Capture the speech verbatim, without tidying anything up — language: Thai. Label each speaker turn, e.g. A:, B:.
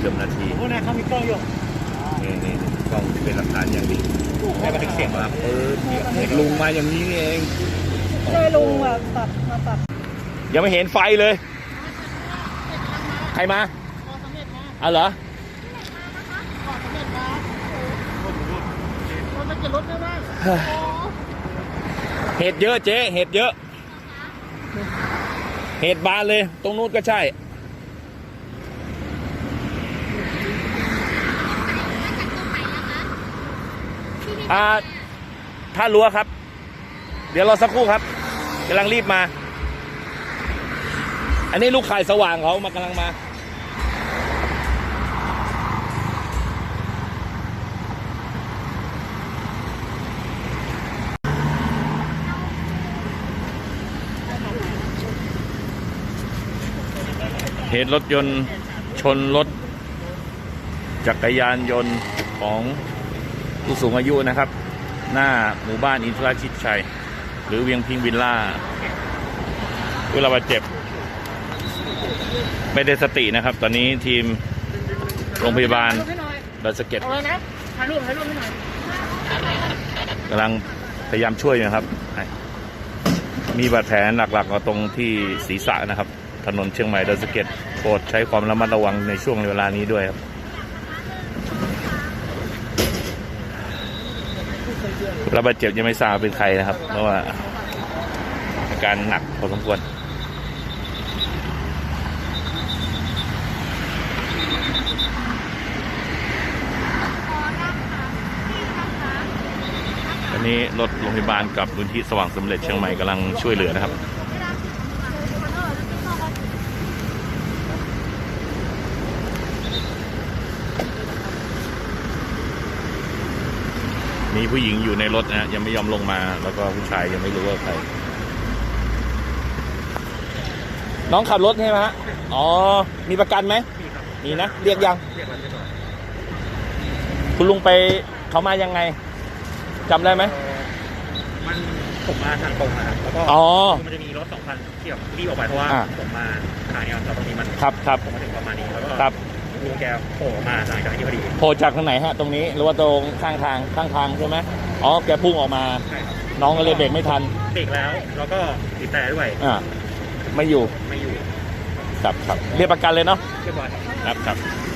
A: กือบนาที
B: โอ้โหนะเขามีกล้องอยู่
A: นี่นี่กล้องเป็นหลักฐานอย่างดีได้บันทึกเสียงมาเออเด็กลุงมาอย่างนี้นี่เอง
C: ใช่ลุงแบบตัดมาตัด
A: ยังไม่เห็นไฟเลยใครมาเอาเหรอเห็ดเยอะเจ๊เห็ดเยอะเห็ดบานเลยตรงนู้นก็ใช่อ่าท่ารั้วครับเดี๋ยวรอสักครู่ครับกำลังรีบมาอันนี้ลูกข่ายสว่างเขามากำลังมาเหตุรถยนต์ชนรถจักรยานยนต์ของผู้สูงอายุนะครับหน้าหมู่บ้านอินทราชิตชัยหรือเวียงพิงวิลล่าผู้บาดเจ็บไม่ได้สตินะครับตอนนี้ทีมโรงพยาบาลดอยสะเก็ดกำลังพยายามช่วยนะครับมีบาดแผลหลักๆตรงที่ศีรษะนะครับถนนเชียงใหม่ดอยสะเก็ดโปรดใช้ความระมัดระวังในช่วงเวลานี้ด้วยครับผู้บาดเจ็บยังไม่ทราบเป็นใครนะครับเพราะว่าอาการหนักพอสมควรตอนนี้รถโรงพยาบาลกับมูลที่สว่างสำเร็จเชียงใหม่กำลังช่วยเหลือนะครับมีผู้หญิงอยู่ในรถนะยังไม่ยอมลงมาแล้วก็ผู้ชายยังไม่รู้ว่าใครน้องขับรถใช่ไหมฮะอ๋อมีประกันไหมมีนะเรียกยังคุณลุงไปเขามายังไงจำได้ไหม
B: มันผมมาทางตรงนะครับแล้วก็มันจะมีรถสองคันที่แบบรีบออกไปเพราะว่าผมมาทางนี้แล้วตรงนี้มัน
A: ครับครับ
B: ผมมาถึงประมาณนี้แล้วก็
A: ครับ
B: ลุงแกโผล่มาจากทางนี้พอดี
A: โผล่จากทางไหนฮะตรงนี้หรือว่าตรงข้างทางข้างทางใช่ไหมอ๋อแกพุ่งออกมาน้องก็เลยเบรกไม่ทัน
B: เบรกแล้วแล้วก็บีบแต่ด้วย
A: อ่าไม่อยู่
B: ไม่อยู่
A: ครับครับเรียกประกันเลยเนาะ
B: เรียบร้อย
A: ครับครับ